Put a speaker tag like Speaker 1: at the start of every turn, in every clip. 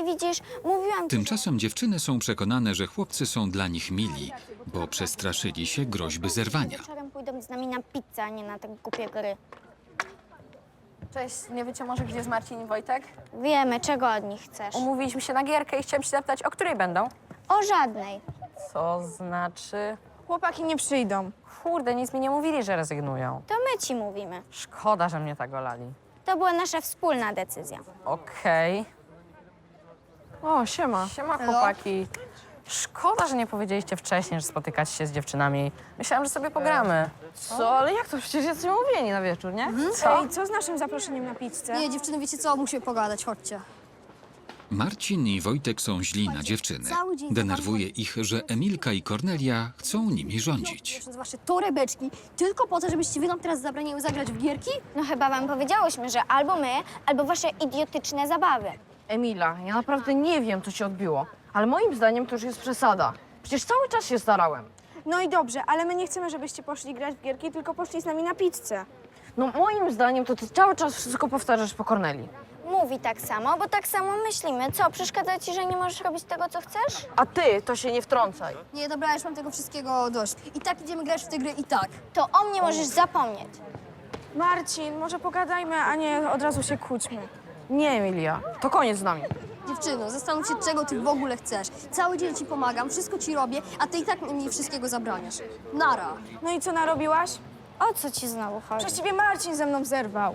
Speaker 1: I widzisz, mówiłam ci,
Speaker 2: Tymczasem dziewczyny są przekonane, że chłopcy są dla nich mili, bo przestraszyli się groźby zerwania.
Speaker 1: wieczorem pójdą z nami na pizzę, a nie na te głupie gry.
Speaker 3: Cześć, nie wiecie może, gdzie jest Marcin i Wojtek?
Speaker 1: Wiemy, czego od nich chcesz.
Speaker 3: Umówiliśmy się na gierkę i chciałem się zapytać, o której będą?
Speaker 1: O żadnej.
Speaker 3: Co znaczy?
Speaker 4: Chłopaki nie przyjdą.
Speaker 3: Kurde, nic mi nie mówili, że rezygnują.
Speaker 1: To my ci mówimy.
Speaker 3: Szkoda, że mnie tak olali.
Speaker 1: To była nasza wspólna decyzja.
Speaker 3: Okej.
Speaker 4: O, siema.
Speaker 3: Siema, chłopaki. Szkoda, że nie powiedzieliście wcześniej, że spotykacie się z dziewczynami. Myślałam, że sobie pogramy.
Speaker 4: Co? Ale jak to? Przecież jesteśmy umówieni na wieczór, nie?
Speaker 3: Co?
Speaker 4: Ej, co z naszym zaproszeniem na pizzę?
Speaker 5: Nie, dziewczyny, wiecie co? Musimy pogadać, chodźcie.
Speaker 2: Marcin i Wojtek są źli na dziewczyny. Denerwuje ich, że Emilka i Kornelia chcą nimi rządzić.
Speaker 5: Wasze torebeczki tylko po to, żebyście wy nam teraz zabraniały zagrać w gierki?
Speaker 1: No chyba wam powiedziałyśmy, że albo my, albo wasze idiotyczne zabawy.
Speaker 6: Emila, ja naprawdę nie wiem, co ci odbiło, ale moim zdaniem to już jest przesada. Przecież cały czas się starałem.
Speaker 4: No i dobrze, ale my nie chcemy, żebyście poszli grać w gierki, tylko poszli z nami na pizzę.
Speaker 6: No moim zdaniem to ty cały czas wszystko powtarzasz po Korneli.
Speaker 1: Mówi tak samo, bo tak samo myślimy. Co, przeszkadza ci, że nie możesz robić tego, co chcesz?
Speaker 6: A ty to się nie wtrącaj.
Speaker 5: Nie, dobra, ja już mam tego wszystkiego dość. I tak idziemy grać w te gry i tak.
Speaker 1: To o mnie możesz zapomnieć.
Speaker 4: Marcin, może pogadajmy, a nie od razu się kłóćmy.
Speaker 6: Nie, Emilia, to koniec z nami.
Speaker 5: Dziewczyno, zastanów się, czego ty w ogóle chcesz. Cały dzień ci pomagam, wszystko ci robię, a ty i tak mi wszystkiego zabraniasz. Nara.
Speaker 4: No i co narobiłaś?
Speaker 1: O co ci znowu chodzi?
Speaker 4: Właściwie Marcin ze mną zerwał.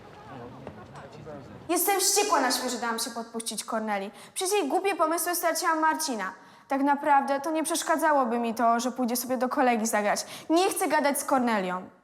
Speaker 4: Jestem wściekła na siebie, że dałam się podpuścić Korneli. Przez jej głupie pomysły straciłam Marcina. Tak naprawdę to nie przeszkadzałoby mi to, że pójdzie sobie do kolegi zagrać. Nie chcę gadać z Kornelią.